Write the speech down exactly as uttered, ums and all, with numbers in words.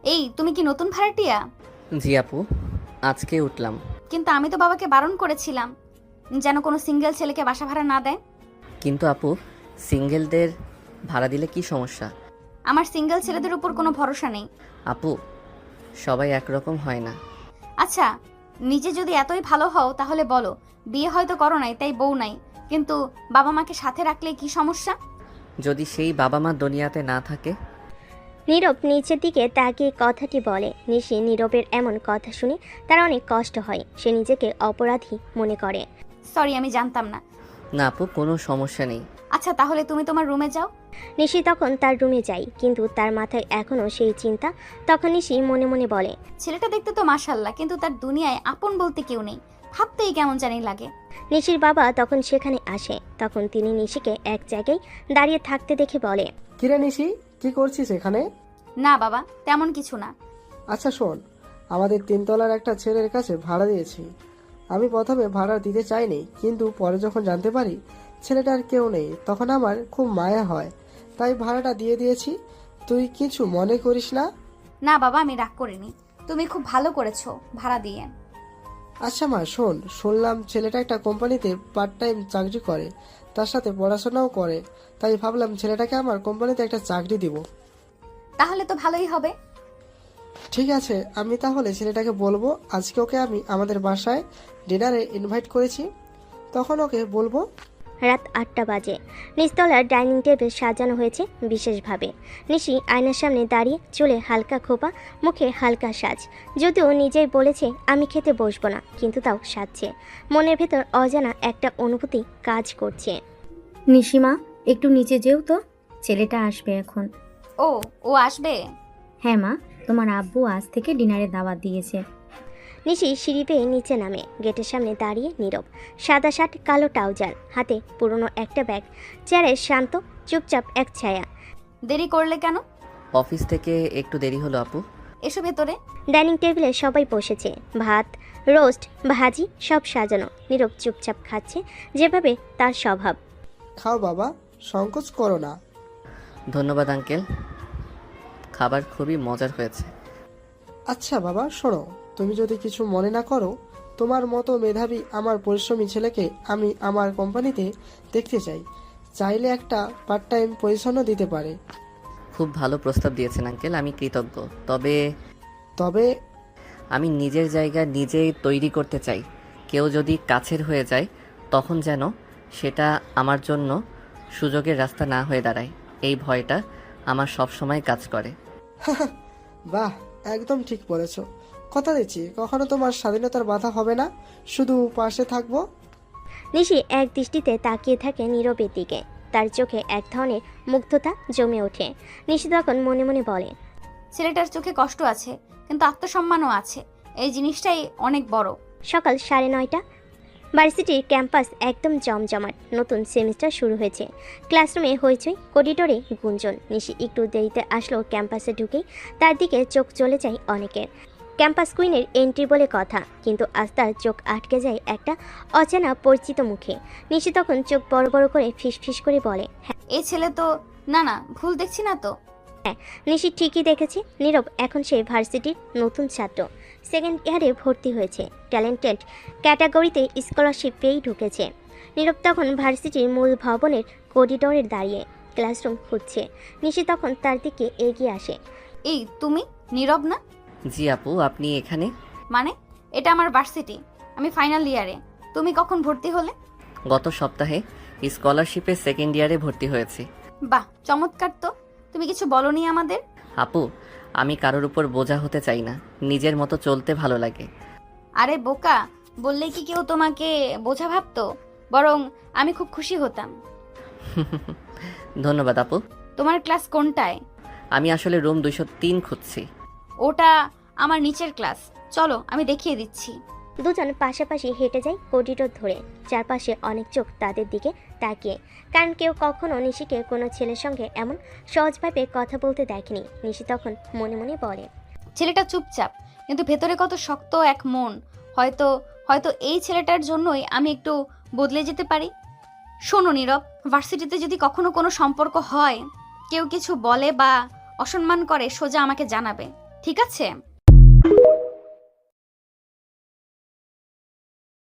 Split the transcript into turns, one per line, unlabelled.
এই তুমি কি নতুন ভাড়াটিয়া?
জি আপু, আজকে উঠলাম।
কিন্তু আমি তো বাবাকে বারণ করেছিলাম যেন কোনো সিঙ্গেল ছেলেকে বাসা ভাড়া না দেয়।
কিন্তু আপু, সিঙ্গেলদের ভাড়া দিলে কি সমস্যা?
আমার সিঙ্গেল ছেলেদের উপর কোনো ভরসা নেই।
আপু, সবাই একরকম হয় না।
আচ্ছা, নিজে যদি এতই ভালো হও তাহলে বলো, বিয়ে হয়তো করো নাই তাই বউ নাই, কিন্তু বাবা মাকে সাথে রাখলে কি সমস্যা?
যদি সেই বাবা মা দুনিয়াতে না থাকে?
নীরব নিচের দিকে তাকিয়ে কথাটি বলে। নিশি নীরবের এমন কথা শুনে তার অনেক কষ্ট হয়। সে নিজেকে অপরাধী মনে করে।
সরি, আমি জানতাম না।
না আপু, কোনো সমস্যা নেই।
আচ্ছা, তাহলে তুমি তোমার রুমে যাও।
নিশি তখন তার রুমে যায়, কিন্তু তার মাথায় এখনও সেই চিন্তা। তখন নিশি মনে মনে বলে,
ছেলেটা দেখতে তো মাশাল্লাহ, কিন্তু তার দুনিয়ায় আপন বলতে কেউ নেই। ভাবতেই কেমন জানি লাগে।
নিশির বাবা তখন সেখানে আসে। তখন তিনি নিশিকে এক জায়গায় দাঁড়িয়ে থাকতে দেখে বলে,
কিরে নিশি, কি করছিস এখানে?
না বাবা, তেমন কিছু না।
আচ্ছা শোন, আমাদের তিনতলার একটা ছেলের কাছে ভাড়া দিয়েছি। আমি প্রথমে ভাড়া দিতে চাইনি, কিন্তু পরে যখন জানতে পারি ছেলেটার কেউ নেই, তখন আমার খুব মায়া হয়, তাই ভাড়াটা দিয়ে দিয়েছি। তুই কিছু মনে করিস না?
না বাবা, আমি রাগ করিনি। তুমি খুব ভালো করেছো ভাড়া দিয়ে।
আচ্ছা মা, শোন, শুনলাম ছেলেটা একটা কোম্পানিতে পার্ট টাইম চাকরি করে, তার সাথে পড়াশোনাও করে, তাই ভাবলাম ছেলেটাকে আমার কোম্পানিতে একটা চাকরি দিব।
তাহলে তো ভালোই হবে।
ঠিক আছে, আমি তাহলে ছেলেটাকে বলবো আজকে ওকে আমি আমাদের বাসায় ডিনারে ইনভাইট করেছি, তখন ওকে বলবো।
রাত আটটা বাজে। নিচতলার ডাইনিং টেবিল সাজানো হয়েছে বিশেষভাবে। নিশি আয়নার সামনে দাঁড়িয়ে, চুলে হালকা খোপা, মুখে হালকা সাজ। যদিও নিজেই বলেছে আমি খেতে বসবো না, কিন্তু তাও সাজছে। মনের ভেতর অজানা একটা অনুভূতি কাজ করছে।
নিশিমা, একটু নিচে যেও তো, ছেলেটা আসবে এখন।
ও ও আসবে?
হ্যাঁ মা, তোমার আব্বু আজ থেকে ডিনারে দাওয়াত দিয়েছে।
নিশি সিঁড়ি বেয়ে নিচে নামে। গেটের সামনে দাঁড়িয়ে নীরব। সাদা শার্ট, কালো ট্রাউজার, হাতে পুরনো একটা ব্যাগ। চেয়ারে শান্ত, চুপচাপ এক ছায়া।
দেরি করলে কেন?
অফিস থেকে একটু দেরি হলো আপু।
এসো ভেতরে।
ডাইনিং টেবিলে সবাই বসেছে। ভাত, রোস্ট, ভাজি সব সাজানো। নীরব চুপচাপ খাচ্ছে, যেভাবে তার স্বভাব।
খাও বাবা, সংকোচ করো না।
ধন্যবাদ আঙ্কেল, খাবার খুবই মজার হয়েছে।
আচ্ছা বাবা, শোনো, তুমি যদি কিছু মনে না করো, তোমার মতো মেধাবী আমার পরিশ্রমী ছেলেকে আমি আমার কোম্পানিতে দেখতে চাই। চাইলে একটা পার্ট টাইম পজিশনও দিতে পারে।
খুব ভালো প্রস্তাব দিয়েছেন আঙ্কেল, আমি কৃতজ্ঞ। তবে
তবে
আমি নিজের জায়গা নিজেই তৈরি করতে চাই। কেউ যদি কাছের হয়ে যায়, তখন যেন সেটা আমার জন্য সুযোগের রাস্তা না হয়ে দাঁড়ায়, এই ভয়টা আমার সব সময় কাজ করে।
বাহ, একদম ঠিক বলেছ। কথা দিচ্ছি কখনো তোমার স্বাধীনতার বাধা হবে না, শুধু পাশে থাকবো।
নিশি এক দৃষ্টিতে তাকিয়ে থাকে নীরবের দিকে। তার চোখে এক ধরনের মুগ্ধতা জমে ওঠে। নিশি তখন মনে মনে বলে,
ছেলেটার চোখে কষ্ট আছে, কিন্তু আত্মসম্মানও আছে। এই জিনিসটাই অনেক বড়।
সকাল সাড়ে নয়টা। ভার্সিটির ক্যাম্পাস একদম জমজমাট। নতুন সেমিস্টার শুরু হয়েছে। ক্লাসরুমে হইচই, করিডোরে গুঞ্জন। নিশি একটু দেরিতে আসলো ক্যাম্পাসে ঢুকেই তার দিকে চোখ চলে যায় অনেকের। ক্যাম্পাস কুইনের এন্ট্রি বলে কথা, কিন্তু আজ তার চোখ আটকে যায় একটা অচেনা পরিচিত মুখে। নিশি তখন চোখ বড় বড় করে ফিসফিস করে বলে, হ্যাঁ।
এই ছেলে তো, না না, ভুল দেখছি না তো?
নিশি ঠিকই দেখেছে। নীরব এখন সে ভার্সিটির নতুন ছাত্র, সেকেন্ড ইয়ারে ভর্তি হয়েছে। ট্যালেন্টেড ক্যাটাগরিতে স্কলারশিপ পেয়েই ঢুকেছে। নীরব তখন ভার্সিটির মূল ভবনের করিডোরে দাঁড়িয়ে ক্লাসরুম খুঁজছে। নিশি তখন তার দিকে এগিয়ে আসে।
এই তুমি নীরব না?
জি আপু, আপনি এখানে?
মানে, এটা আমার ভার্সিটি, আমি ফাইনাল ইয়ারে। তুমি কখন ভর্তি হলে?
গত সপ্তাহে স্কলারশিপে সেকেন্ড ইয়ারে ভর্তি হয়েছি।
বাহ, চমৎকার তো। তুমি কিছু বলনি আমাদের?
আপু, আমি কারোর উপর বোঝা হতে চাই না, নিজের মতো চলতে ভালো লাগে।
আরে বোকা, বললেই কি কেউ তোমাকে বোঝা ভাবতো? বরং আমি খুব খুশি হতাম।
ধন্যবাদ আপু।
তোমার ক্লাস কোনটায়?
আমি আসলে রুম দুইশো তিন খুঁজছি।
ওটা আমার নিচের ক্লাস, চলো আমি দেখিয়ে দিচ্ছি।
দুজন পাশাপাশি হেঁটে যায় করিডোর ধরে। চারপাশে অনেক চোখ তাদের দিকে তাকিয়ে, কারণ কেউ কখনো নিশিকে কোনো ছেলের সঙ্গে এমন সহজভাবে কথা বলতে দেখেনি। নিশি তখন মনে মনে বলে,
ছেলেটা চুপচাপ, কিন্তু ভেতরে কত শক্ত এক মন। হয়তো হয়তো এই ছেলেটার জন্যই আমি একটু বদলে যেতে পারি। শোনো নীরব, ভার্সিটিতে যদি কখনো কোনো সম্পর্ক হয়, কেউ কিছু বলে বা অসম্মান করে, সোজা আমাকে জানাবে। ঠিক আছে?